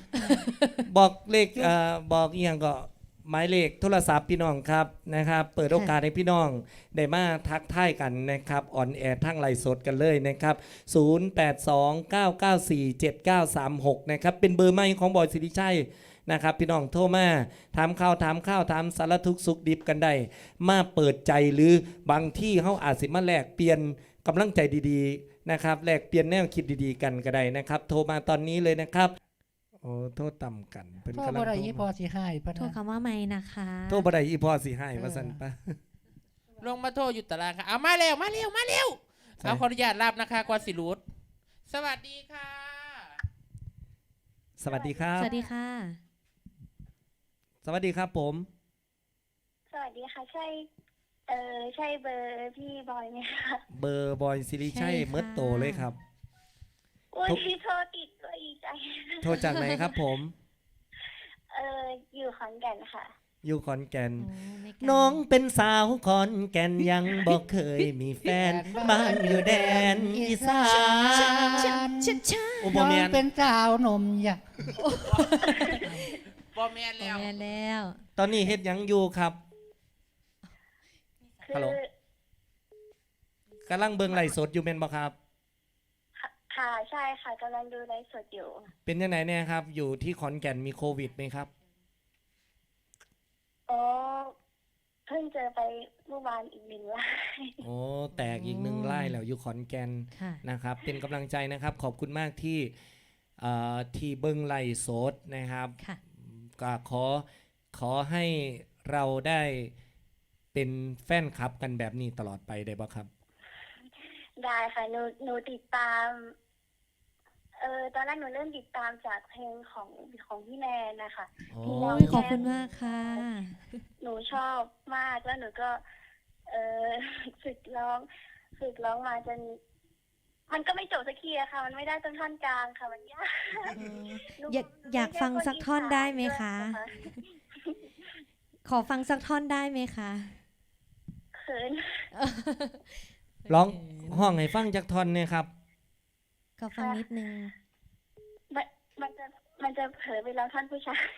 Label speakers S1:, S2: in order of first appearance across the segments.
S1: บอกเลขบอกอีกอย่างก็หมายเลขโทรศัพท์พี่น้องครับนะครับเปิดโอกาสให้พี่น้องได้มาทักทายกันนะครับออนแอร์ทั้งไลฟ์สดกันเลยนะครับ0829947936นะครับเป็นเบอร์ใหม่ของบอยสิริชัยนะครับพี่น้องโทรมาถามข่าวถามสารทุกข์สุขดิบกันได้มาเปิดใจหรือบางที่เขาอาจสิมาแลกเปลี่ยนกำลังใจดีๆนะครับแลกเปลี่ยนแนวคิดดีๆกันก็ได้นะครับโทรมาตอนนี้เลยนะครับโอ้โทษต่ำกันเป็น
S2: พ่อก
S1: ำลัง
S2: บ่ได้
S1: โทร
S2: อีพอ
S1: มา
S2: สิให้ปะ
S3: โทร
S2: นะ
S3: คำว่าไม่นะคะ
S1: โทษบ่ได้อีพ่อสิให้ว่าซั่นปะ
S4: ลงมาโทรอยู่ตารางค่ะเอามาเร็วเอาขออนุญาตรับนะคะกวนสิรูดสวัสดีค่ะ
S1: สวัสดีครับ
S3: สวัสดีค่ะ
S1: สวัสดีครับผม
S5: สวัสดีค่ะ ใช่ใช่เบอร์พี่บอยไหมคะ
S1: เบอร์บอยสิริชัย
S3: ใช่ค่ะ
S1: เมิดโตเลยครับ
S5: อุ้ยพี่โทรติดก็อีใจ
S1: โทรจากไหนครับผม
S5: อยู่ขอนแก่นค่ะ
S1: อยู่ขอนแก่น
S3: โอ้ไม่ไกล
S1: น้องเป็นสาวขอนแก่นยังบอกเคยมีแฟน บ้านอยู่แดนอีสาน
S3: ชิดชา
S1: โอ้บ่
S2: น้อง
S1: แม่น
S2: เป็นสาวนมอยาก
S4: บอแมน
S3: แล้
S4: แล้ว
S3: วแล้ว
S1: ตอนนี้เฮ็ดหยังอยู่ครับ
S5: คื
S1: ฮัลโหล กำลังเบิ่งไลฟ์สดอยู่แม่นบ่ครับ
S5: ค่ะใช่ค่ะกำลังดูไลฟ์สดอยู่
S1: เป็นยังไงเนี่ยครับ อยู่ที่ขอนแก่นมีโควิดไหมครับ
S5: อ๋อ เพิ่งเจอไปเมื่อวานอีก1 ราย
S1: โอ้แตกอีกหนึ่งไล่แล้วอยู่ขอนแก่น
S3: ค่ะ
S1: นะครับเป็นกำลังใจนะครับขอบคุณมากที่ที่เบิ้งไลฟ์สดนะครับ
S3: ค่ะ
S1: ก็ขอให้เราได้เป็นแฟนคลับกันแบบนี้ตลอดไปได้บ่ครับ
S5: ได้ค่ะหนูติดตาม ตอนแรกหนูเริ่มติดตามจากเพลงของพี่แนนนะคะ
S1: โอ้
S5: พี่
S3: โอ้
S5: แน
S3: ยขอบคุณมากค่ะ
S5: หนูชอบมากแล้วหนูก็ เออ ฝึกร้องมาจนมันก็ไม่จบสักทีอะค่ะ มันไม่ได้ต้นท่อนกลางค่ะ มันยากหนู
S3: อยากฟังสักท่อนได้ไหมคะ
S5: ด้วยน
S3: ขอฟังสักท่อนได้ไหมคะ
S5: เขิน
S1: ร้องห้องให้ฟังจากท่อนเนี่ยครับ
S3: ก็ฟังนิดนึง
S5: มันจะเผลอไปร้องท่อนผู้ชาย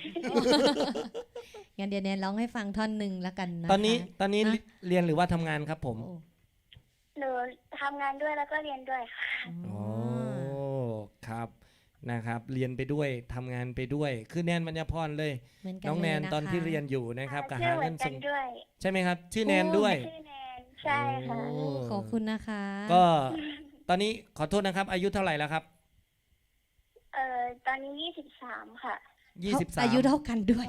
S3: งั้นเดี๋ยวแนนร้องให้ฟังท่อนหนึ่งแล้วกันนะคะ
S1: ตอนนี้
S3: นะ
S1: เรียนหรือว่าทำงานครับผม
S3: โอ้
S5: หนูทำงานด้วยแล้วก็เรียนด้วยค่ะ
S1: โอ้ครับนะครับเรียนไปด้วยทำงานไปด้วย คือแนนมัญญพรเลย
S3: เหมือนกัน
S1: น้องแนน
S3: เลยะคะ
S1: ตอนที่เรียนอยู่นะครับก็
S5: ชื่
S1: หา
S5: อเหมื
S1: เงิ
S5: อน
S1: น
S5: กั
S1: ส่
S5: น
S1: ง
S5: ด้วย
S1: ใช่ไหมครับ ชื่อแนนด้วย
S5: ชื่อแนนใช่ค่ะ
S1: โอ้
S3: โอ้ขอบคุณนะคะ
S1: ก็ตอนนี้ขอโทษนะครับ อายุเท่าไหร่แล้วครับ
S5: ตอนนี้23ค่ะ
S1: 23
S3: อายุเท่ากันด้วย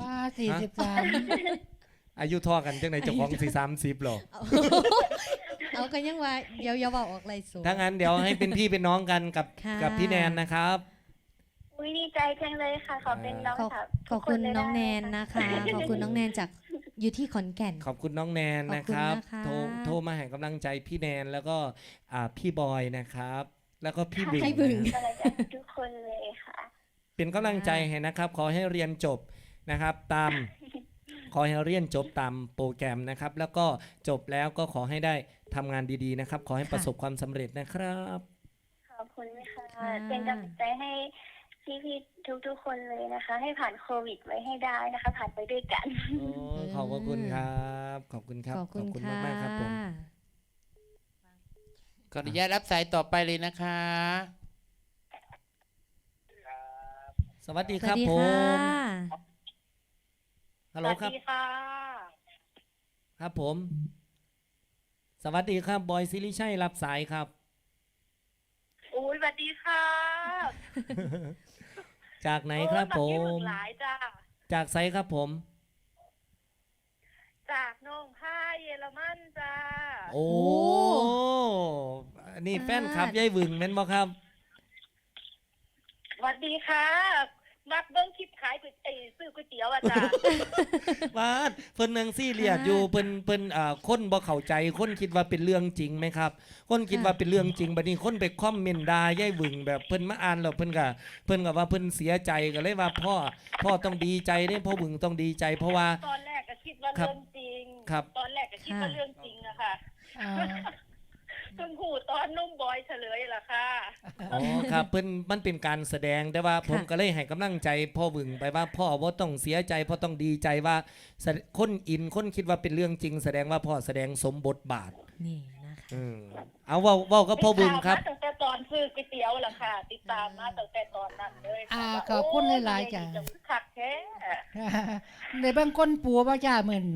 S2: 43
S1: อายุเท่อกันจังไหนเจ้าของสี่30หรอ
S3: เอากันยังว่าเดี๋ยวบอกออกไรสูง
S1: ถ้างั้นเดี๋ยวให้เป็นพี่เป็นน้องกันกับ
S3: ค่ะ
S1: กับพี่แนนนะครับ
S5: อุ้ยดีใจจังเลยค่ะ ขอเป็นน้อง
S3: ขอบ
S5: สาว
S3: ขอบคุณ
S5: ทุกเลย
S3: น้องแน
S5: ได้
S3: น
S5: ไหม
S3: นะคะ ขอบคุณน้องแนนจากอยู่ที่ขอนแก่น
S1: ขอบคุณน้องแนนนะครับ
S3: ขอบคุณนะคะ
S1: โทรมาให้กำลังใจพี่แนนแล้วก็พี่บอยนะครับ แล้วก็พี่บึง
S3: พี่บึง
S1: นะ
S5: กำลังใจทุกคนเลยค่ะ
S1: เป็นกำลังใจให้นะครับ ขอให้เรียนจบนะครับ ขอให้เรียนจบตามโปรแกรมนะครับ แล้วก็จบแล้วก็ขอให้ได้ทำงานดีๆนะครับ ขอให้ประสบความสำเร็จนะครับ
S5: ขอบคุณค่ะ
S3: ค่ะ
S5: เป็นกำลังใจให้พี่ๆทุกๆคนเลยนะคะ ให้ผ่านโควิดไว้ให้ได้นะคะ ผ่านไปด้วยกัน
S1: โอ้ขอบพระคุณครับ ขอบคุณครับ
S3: ขอบคุณค่ะ
S1: มากๆครับผม
S4: ขออนุญาตรับสายต่อไปเลยนะคะ
S1: สวัสดี
S3: ส
S1: ค
S3: วั
S1: รั
S3: ส
S1: บ
S3: ดี
S1: ผ
S3: ค่ะ
S1: มฮัลโหลครับ
S5: ค่ะ
S1: ครับผม สวัสดีครับบอยซิริชัยรับสายครับ
S5: อุ้ยสวัสดีค่ะ
S1: จากไหนครับผม
S5: หลายจ้า
S1: จากไซครับผม
S5: จากน้องผ้าเยอรมันจ้า
S1: โอ้นี่แฟนครับยายหวึงแม่นบ่ครับ
S5: สวัสดีค่ะมักเบิ้งคลิปขายซื้อก๋วยเตี๋ยวอ่ะจ้า
S1: วาดเพิ่นนังซี่เรียดอยู่เพิ่นคนบ่เข้าใจคนคิดว่าเป็นเรื่องจริงไหมครับ คนคิดว่าเป็นเรื่องจริงบัดนี้คนไปคอมเมนต์ด่ายายหวึงแบบเพิ่นมาอ่านแล้วเพิ่นก็ว่าเพิ่นเสียใจก็เลยว่าพ่อต้องดีใจเด้พ่อหวึงต้องดีใจเพราะว่า
S5: ตอนแรกก็คิดว่า
S1: ครับ
S5: เรื่องจริง
S1: ครับ
S5: ตอนแรกก็คิดว่าเรื่องจริงอะค่ะ
S2: อ่า
S5: เพิ่งหูตอนนุ่มบอยเฉลยล่ะค่ะ
S1: อ๋อครับเพิ่นมันเป็นการแสดงแต่ว่าผมก็เลยให้กำลังใจพ่อบึงไปว่าพ่อบ่ต้องเสียใจพ่อต้องดีใจว่าคนอินคนคิดว่าเป็นเรื่องจริง แสดงว่าพ่อแสดงสมบทบาท
S3: นี่นะคะ
S1: เอาเว้ากับพ่อบึงครับ
S5: ติดตามมาตั้งแต่ตอนซื้อก๋วยเตี๋ยวล่ะค่ะ ติดตามมาตั้งแต่ตอนนั้นเลยค่ะว่า
S2: ขอบคุณหลายๆจ้ะ
S5: โอ้ยจะคักแท้
S2: ในบางคนปัวบ่จ้าเหมือน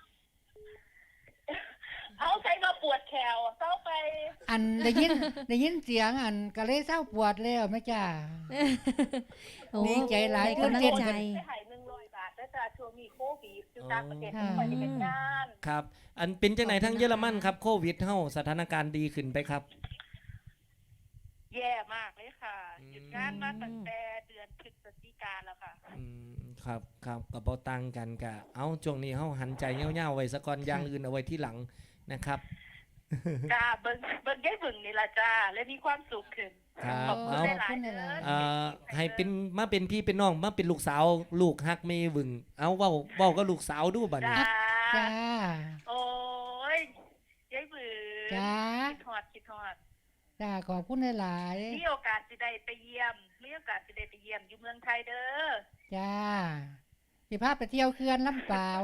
S5: เอาใส่มาปวดแขวเข้าไป
S2: อันได้ยินเสียงอันก็เลยเศร้าปวดแล้วแม่จ้า
S3: โอ้
S2: ดีใจหลาย
S3: ได้
S2: คน
S3: กำลัง
S2: เจ็ด
S3: ใจ
S5: ได้หาย100 บาทแล้วจ้ะช่วงนี้โควิดอยู่ต่างประเทศไม่ค่อยได้เป็นงาน
S1: ครับ อันเป็นจังไหนทั้งเยอรมันครับโควิดเฮาสถานการณ์ดีขึ้นไปครับ
S5: แย่มากเลยค่ะ
S1: อืม
S5: หยุดงานมาตั้งแต่เดือนพฤศจิกาแล้วค่ะ
S1: ครับกับบ่ตังกันกะเอาช่วงนี้เฮาหันใจเหี่ยวๆไว้ซะก่อนอย่างอื่นเอาไว้ที่หลังนะครับ
S5: จ้าเบิ่งยายบึงนี่ล่ะจ้าและมีความสุขขึ้น
S1: ครับ
S5: ขอบคุณ
S1: เอา
S5: หลายๆเด้อ
S1: ให้เป็นมาเป็นพี่เป็นน้องมาเป็นลูกสาวลูกฮักไม่วึงเอาเว้าก็ลูกสาวดูบัดนี้
S5: จ้า
S2: จ้า
S5: โอ้ยยายบึง
S2: จ้า
S5: คิดฮอด
S2: จ้าขอบคุณหลาย
S5: มีโอกาสสิได้ไปเยี่ยมอยู่เมืองไทยเด้อ
S2: ๆจ้าสิพาไปเที่ยวเขื่อนลำเปล่า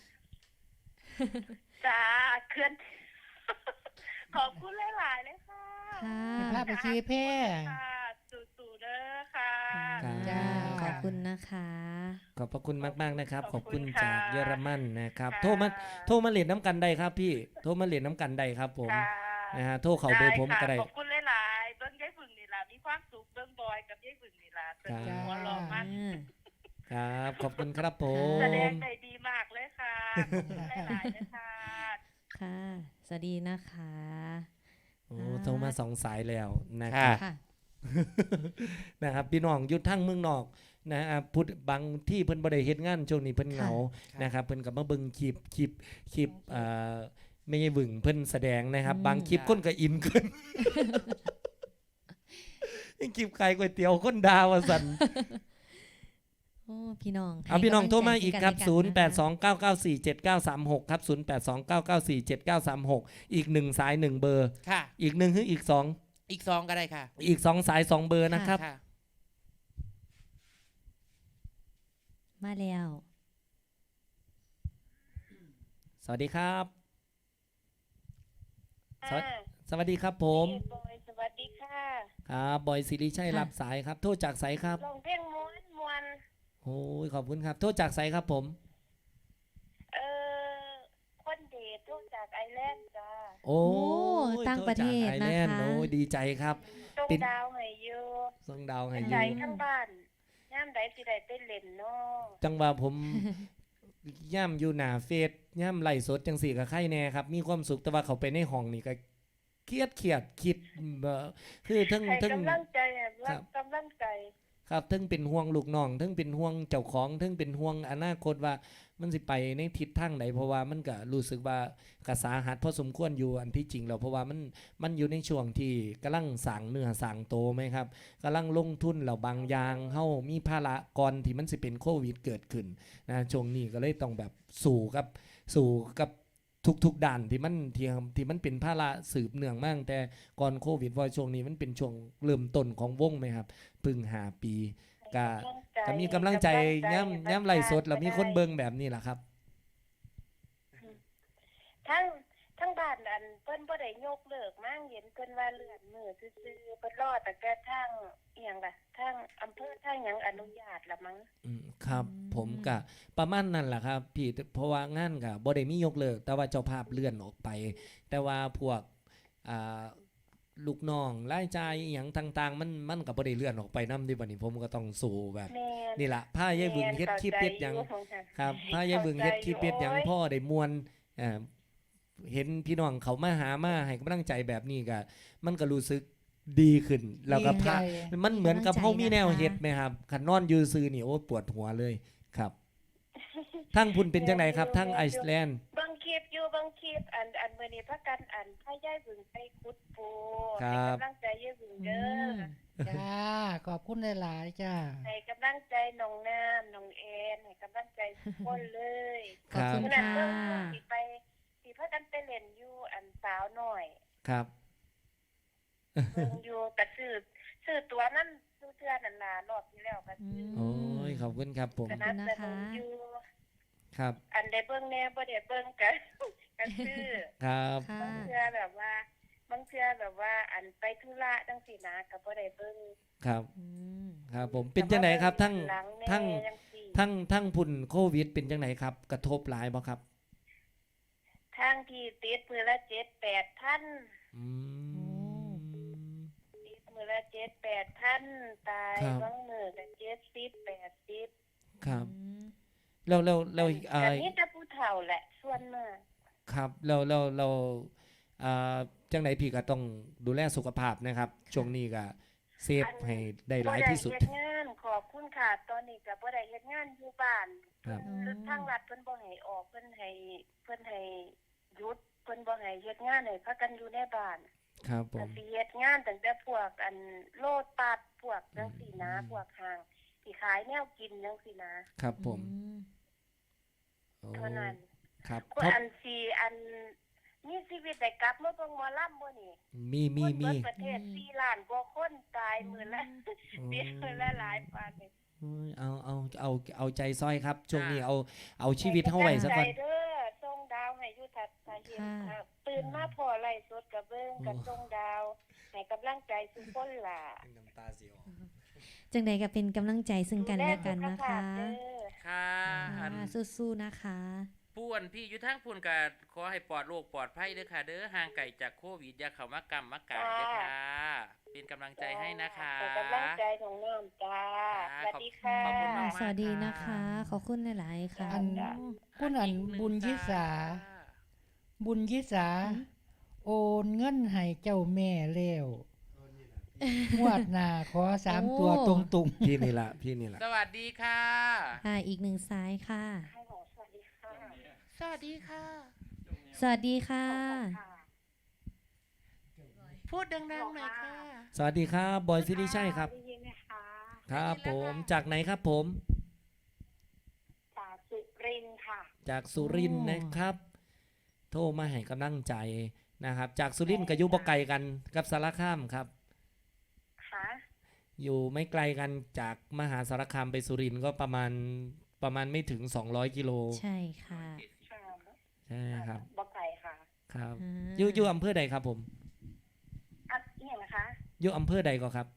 S5: จ้าเคลื่อน ขอบคุณหลายๆเลยค่ะ
S3: ค่ะ
S2: สิพาไปขี่แพ
S5: ค่ะสู่ๆเด้อค่ะ
S1: ครับ
S2: จ้า
S3: ขอบคุณนะคะ
S1: ขอบพระคุณมากๆนะครับ ข
S5: ข
S1: อ
S5: อ
S1: บบ
S5: คุ
S1: คุณ
S5: ณ
S1: จาก
S5: ค่ะ
S1: เยอรมันนะครับ
S5: ค่ะ
S1: โทรมาเล่นน้ำกันได้ครับพี่โทรมาเล่นน้ำกันได้ครับผม
S5: ค่ะ
S1: นะฮะโทรเข้าเบอร์ผมก็ได้
S5: ขอบคุณหลายๆเบิ้งยายบึงนี่ล่ะมีความสุขเบิ้งบอยกับยายบึงนี่ล่ะเป็น
S1: ครับ
S5: หัวเราะมาก
S1: ครับขอบคุณครับผ
S5: แสด
S1: ม
S5: งได้ดีมากเลยค่ะขอบคุณหลายๆเลยค่ะ
S3: ค่ะ สวัสดีนะคะ
S1: โอ้โทรมา2 สายแล้วนะค
S4: ค่ะ
S1: รับ
S3: ค่ะ
S1: นะครับพี่น้องอยุดทั้งเมืองนอกนะพุทธบางที่เพิ่นบ่ได้เฮ็ดงานช่วงนี้เพิ่นเหงา
S4: ค่ะ
S1: นะครับเพิ่นก็มาเบิ่งคลิปไม่ใช่วึงเพิ่นแสดงนะครับ บางคลิป
S4: ค่ะ
S1: คนก็อินเกิน คลิปขายก๋วยเตี๋ยวคนดาวว่าซั่น
S3: โอ้พี่น้อง
S1: เอาพี่น้องโทรมาอีกครับ
S3: ให้กำลังใจซึ่งกันและกันนะคะ
S1: 0829947936 ครับ 0829947936 อีก1สาย1เบอร์
S4: ค่ะ
S1: อีก1คืออีก2
S4: อีกซองก็ได้ค่ะ
S1: อีก2สาย2เบอร์นะครับ
S4: ค่ะ
S3: มาแล้ว
S1: สวัสดีครับ สวัส
S5: อ่า
S1: สวัสดีครับผม
S5: พี่บอยสวัสดีค่ะ
S1: ครับบอยสิริชัยรับสายครับ โทษจากไสครับ
S5: ลองเพลงม้วน
S1: โอ้ยขอบคุณครับ โทษจากไสครับผม
S5: เออคนเดทโทษจากไอแลนด์จ้า
S1: โอ้ย
S3: ต่างประเทศ
S1: โทษจากไอแลนด์
S3: นะคะ
S1: โอ้ยดีใจครับ
S5: ต้อง
S1: เป็น
S5: ดาวให้อยู่
S1: ส่งดาวให้
S5: เป็น
S1: อ
S5: ใจ
S1: ยู่
S5: ทั้งบ้านย่ามใดสิได้ไปเล่นเนาะ
S1: จังว่าผม ย่ำอยู่หน้าเฟซย่ำไล่สดจังสี่กับใครแน่ครับ มีความสุขแต่ว่าเขาไปในห้องนี่ก็เครียดคิดคือทั้ง
S5: ให้
S1: ทั้ง
S5: กำลังใจอะ
S1: ครั
S5: รับ กำลังใจ
S1: ครับทั้งเป็นห่วงลูกน้องทั้งเป็นห่วงเจ้าของทั้งเป็นห่วงอนาคตว่ามันสิไปในทิศทางไหนเพราะว่ามันก็รู้สึกว่ากระสาหัสพอสมควรอยู่อันที่จริงแล้วเพราะว่ามันอยู่ในช่วงที่กำลังสั่งเนื้อสั่งโตไหมครับกำลังลงทุนแล้วบางอย่างเฮามีภาระก่อนที่มันสิเป็นโควิดเกิดขึ้นนะช่วงนี้ก็เลยต้องแบบสู่กับทุกๆด่านที่มันเป็นภาระสืบเนื่องมากแต่ก่อนโควิดว่าช่วงนี้มันเป็นช่วงเริ่มต้นของวงไหมครับเพึ่ง5 ปีก็มีกำลังใจย่ำไล่สดแล้วมีคนเบิ่งแบบนี้แหละครับ
S5: ทั้งบ้านอันเพิ่นบ่ได้ยกเลิกมั่งเห็นเพิ่นว่าเลื่อนมือซื่อๆเพิ่นรอแต่แกทางอีหยังล่ะทางอำเภอทางหยังอนุญาตละมั้ง
S1: ครับผมกะประมาณนั้นแหละครับพี่เพราะว่างานกะบ่ได้มียกเลิกแต่ว่าเจ้าภาพเลื่อนออกไป แต่ว่าพวกอ่าลูกน้องรายจ่ายอหย่างต่างๆ มันก็บ่ได้เลื่อนออกไปนำดิบัดนี้ผมก็ต้องสู้แบบ
S5: แม่น
S1: นี่ล่ะพายายบึงเฮ็ดคลิปเฮ็ดหยัง ครับพายายบึงเฮ็ดคลิปเฮ็ดหยังพ่อได้มวนเห็นพี่น้องเขามาหามาให้กำลังใจแบบนี้ก็มันก็รู้สึกดีขึ้นแล้วก็พา มันเหมือนกับเฮามีแนวเฮ็ดไหมครับคันนอนอยู่ซื่อนี่โอ้ปวดหัวเลยครับทั้งพุ่นเป็นจังไดครับทั้งไอซ์แลนด์
S5: บางคลิปอันมื้อนี้พากันอันพายายบึงไปขุดปู
S1: ครับ
S5: ให้กำลังใจยายบึงเด้อ
S2: จ้าขอบคุณหลายๆจ้า
S5: ให้กำลังใจน้องน้ำน้องแอนให้กำลังใจทุกคนเลย
S3: ขอบคุณ
S5: ขณะ
S3: ค่ะ
S5: เบิ่งสิพากันไปเล่นอยู่อันสาวน้อย
S1: ครับ
S5: เบิ่งอยู่ก็ซื้อตัวนั้นเทื่อนั่นน่ะรอบที่แล้วก็ซื้อ
S1: โอ้ยขอบคุณครับผม
S5: สนับสนุนอยู่
S1: ครับ
S5: อันได้เบิ่งแน่บ่ได้เบิ่งก็ก็ซื้อ
S1: ครับ
S3: ค่ะ
S5: บางเทื่อแบบว่าอันไปธุระจังซี่นะก็บ่ได้เบิ่ง
S1: ครับ
S3: อืม
S1: ครับผมเป็นจังไหนครับทั้ง
S5: หลัแน่
S1: ทั้ง
S5: จังซี่
S1: ทั้งพุ่นโควิดเป็นจังไหนครับ กระทบหลายบ่ครับ
S5: ทางที่ติดมือละ7-8ท่าน
S1: อืม
S5: ติดมือละ7-8ท่านตาย
S1: ครับ
S5: บางมื้อก็70-80
S1: ครับ
S3: อืม
S1: แล้ว
S5: แต่นี่แต่ผู้เฒ่าแหละส่วนมาก
S1: ครับจังไหนพี่ก็ต้องดูแลสุขภาพนะครับ ช่วงนี้ก็เซฟให้ได้หลายที่สุด
S5: บ่ได้เฮ็ดงานขอบคุณค่ะ ตอนนี้ก็บ่ได้เฮ็ดงานอยู่บ้าน
S1: ครับ
S5: หรือทางรัฐเพิ่นบ่ให้ออกเพิ่นให้หยุดเพิ่นบ่ให้เฮ็ดงานให้พากันอยู่ในบ้าน
S1: ครับผ
S5: ก็
S1: ม
S5: สิเฮ็ดงานตั้งแต่พวกอันโลดปัดพวกจังซี่นะพวกห้างที่ขายแนวกินจังซี่นะครับ
S1: ผม
S3: อืม
S1: โอ้
S5: เท่านั้น
S1: ครับ
S5: คน
S1: เพราะ
S5: อันสิอันมีชีวิตได้กลับมาเบิ่งหมอลำบ่นี่
S1: มี
S5: คนเบิดประเทศ4ล้านกว่าคนตายมื้อละ
S1: โอ้
S5: เดือนละหลายปานนี่
S1: โอ้ยเอาใจซอยครับ ช่วงนี้เอาชีวิตเฮาไว้ซะก่อน
S5: ใจเด้อส่งดาวให้อยู่ถ้าเห็นครับตื่นมาพอไล่สดกับเบิ่งกับส่งดาวให้กำลังใจทุกคนล่ะ
S1: น้ำตาสิออก
S3: จังใดก็เป็นกำลังใจซึ่งกันและกันนะ
S5: ดูแลสุขภา
S3: คะ
S5: พเด้อ
S4: ค่ะอัน
S3: ค่ะสู้ๆนะคะ
S4: ป่วนพี่อยู่ทางพุ่นก็ขอให้ปลอดโรคปลอดภัยเด้อค่ะเด้อห่างไกลจากโควิดอย่าเข้ามากรรมมากายเด้อค่ะ เป็นกำลังใจให้นะคะ
S5: เป็นกำลังใจของน้องจ้าสวัสดีค่ะ
S4: ขอบคุณมาก
S3: สวัสดีนะคะ ขอบคุณหลายๆค่ะ
S2: อัน คุณอันบุญยิสา บุญยิสา โอนเงินให้เจ้าแม่แล้วงวดหน้าขอสาม
S3: โอ้
S2: ตัวตรง
S1: พี่นี่ละ
S4: สวัสดีค่ะ
S3: ค่ะอีกหนึ่งสายค่ะ
S5: ฮัลโหลสวัสดีค่ะ
S4: สวัสดีค่ะ
S3: สวัสดีค่ะ
S4: พูดดังๆหน่อยค่ะ
S1: สวัสดีครับบอยซิริชัยครับ
S5: ได้ยินไหมคะ
S1: ครับผมจากไหนครับผม
S5: จากสุรินทร์ค่ะ
S1: จากสุรินทร์
S2: โอ้
S1: นะครับ โทรมาให้กำลังใจนะครับ จากสุรินทร์กับยุบไกลกันกับสารคามครับ
S5: ค่ะ
S1: อยู่ไม่ไกลกันจากมหาสารคามไปสุรินทร์ก็ประมาณไม่ถึง200กิโล
S3: ใช่ค่ะ
S5: ค่ะ
S1: ใช่ครับ
S5: บอกไก่ค่ะ
S1: ครับ
S3: อ่า
S1: อยู่อำเภอใดครับผม
S5: อันนี้นะคะ
S1: อยู่อำเภอใดก็ครับ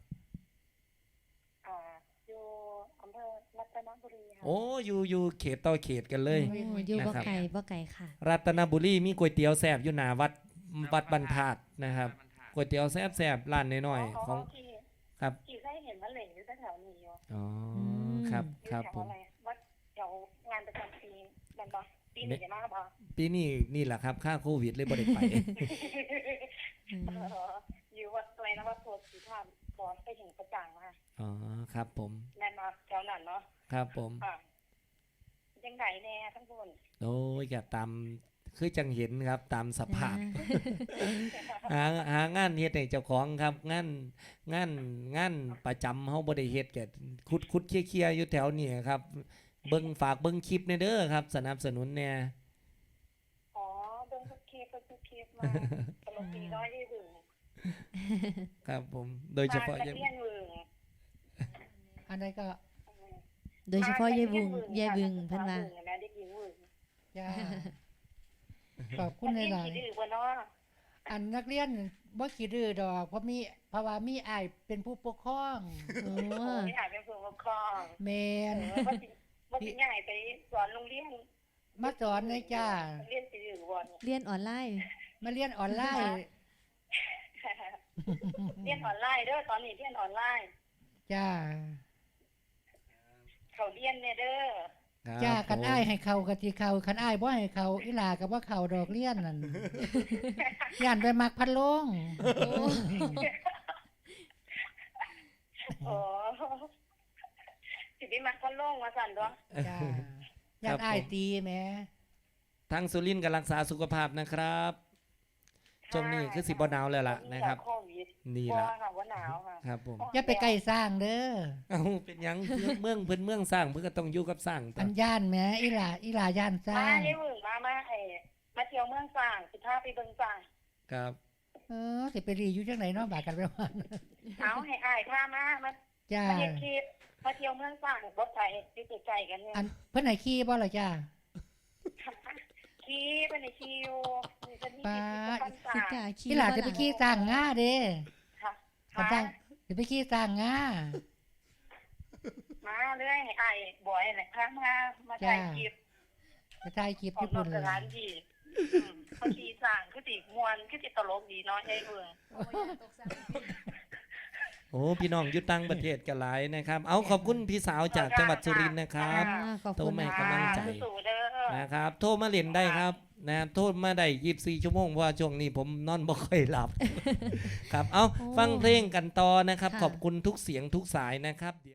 S5: อยู่อำเภอรัตนบุรีค่ะ
S1: โอ้อยู่เขตต่อเขตกันเลย
S3: โอ้อยู่บ่
S1: นะครับ
S3: ไก่บ่ไก่ค่ะ
S1: รัตนบุรีมีก๋วยเตี๋ยวแซ่บอยู่หน้าวัดบรรทัดนะครับก๋วยเตี๋ยวแซ่บร้านน้อยๆของ
S5: ที่
S1: ครับ
S5: ที่เคยเห็นว่าเหล่อยู่แถวๆนี้อยู่
S1: อ๋อ
S3: ม
S1: ครับ
S5: อยู่
S1: ครับ
S5: แถว
S1: ผม
S5: อะไรวัดแถวงานประจำปีนั่นปะปีนี้จะมาปะ
S1: ปีนี้นี่แหละครับค่าโควิดเลยบ่ได้ไป
S3: อืม
S5: อยู่วัดตัวนะวัดโพธิ์สีธาตุบอสไปถึงประจังค่ะ
S1: อ๋อครับผม
S5: แน่นมาแถวนั้นเนาะ
S1: ครับผม
S5: ค่ะยังไงแน่ทั้งคน
S1: โอ้ยก็ตามคือจังเห็นครับตามสภาพ หางานเฮ็ดให้เจ้าของครับงานประจำเฮาบ่ได้เฮ็ดก็คุดเคลียร์ๆอยู่แถวนี้ครับฝากเบิ่งคลิปแน่เด้อครับ สนับสนุนแน่
S5: อ๋อเบิ่งทุกคลิปมาตลกดีน้อยที่ถึง
S1: ครับผมโดยเฉพาะ
S5: บ้น
S1: ยัง
S5: ตะเลียนวึง
S2: ๆ อันใดก็
S3: โดยเฉพาะยายบึงเพิ่นว่า
S5: นะเด็กหญิงวึง
S2: จ้าขอบคุณห
S5: นักเรียน
S2: ลาย
S5: ขี้ดื้อบ่เนาะ
S2: ๆอันนักเรียนบ่ขี้ดื้อดอกเพราะว่ามีอ้ายเป็นผู้ปกครอง
S3: โอ้
S5: โอ้ยหาเป็นผู้ปกครอง
S2: แมน
S5: ว่าสิง่ายไปสอนโรงเรียน
S2: มาสอนเลยจ้า
S5: เรียนสิดื้อบ่เนี่ย
S3: เรียนออนไลน์
S2: มาเรียนออนไลน์
S5: เรียนออนไลน์เด้อตอนนี้เรียนออนไลน์
S2: จ้า
S5: เขาเรียนเนี่ยเด้อ
S1: ครับ
S2: จ้าคัน
S1: ผม
S2: อ้ายให้เขากะสิเขาคันอ้ายบ่ให้เขาอีหลาก็บ่เขาดอกเรียนนั่น ย่านไปมักพัดลง
S5: โอ้สิไปมักคนลงว่าสั่นเด้อ
S2: จ้าย่านอ้ายตีแหม
S1: ทางสุรินทร์ก็รักษาสุขภาพนะครับช่วงนี้คือสิบ่หนาวแล้วล่ะนะครับ
S5: โควิด
S1: นี่
S5: บ่
S1: ล่ะ
S5: ค่ะว่าหนาวค่ะ
S1: ครับผม
S2: อย่าไปใกล้สร้างเด้อ
S1: เอ้าเป็นหยังเมืองสร้างเพิ่นก็ต้องอยู่กับสร้างต่
S2: อันย่านแหมอีหลาย่านสร้า
S5: มาง ได้มึงมาเที่ยวเมืองสร้างสิพาไปเบิ่งสร้าง
S1: ครับ
S2: สิไปรีอยู่จังไหนเนาะบากันไปวัน
S5: เอาให้อายพามามา
S2: จ้า
S5: มาเฮ็ดคลิปมาเที่ยวเมืองสร้างรถไฟอยู่ใกล้ๆกันเนี่ย
S2: อันเพิ่นให้ขี่บ่ล่ะจ้า
S5: ขี่ไปในขี่อยู่นี่จะมี
S2: ป๊า
S5: กิจกรรม
S3: สิ
S5: ต่าง
S3: กล้าขี่
S2: พี่หลานจะไปขี่สร้างงาเด้
S5: ค่ะ
S2: กันสร้างสิไปขี่สร้างงา
S5: มาเรื่อยให้อายบ่อยแหละพามาถ่ายคลิป
S2: ไปถ่ายคลิป
S5: ของ
S2: ที่
S5: นอ
S2: พุ่
S5: ก
S2: น
S5: สถานที่เขาขี่สร้างคือสิม่วนคือสิตลกดีเนาะไอ้เบิ่ง
S1: โอ้พี่น้องอยู่ต่างประเทศกันหลายนะครับ เอาขอบคุณพี่สาวจากจังหวัดสุรินทร์นะครับ
S3: ขอบ
S1: โต
S3: คุณ
S1: แม่
S3: นะ
S1: กำลังใจ
S5: สู้เด้อ
S1: นะครับ โทรมาเล่นได้ครับนะโทรมาได้24 ชั่วโมงเพราะว่าช่วงนี้ผมนอนบ่ค่อยหลับ ครับเอาฟังเพลงกันต่อนะครับ ขอบคุณทุกเสียงทุกสายนะครับ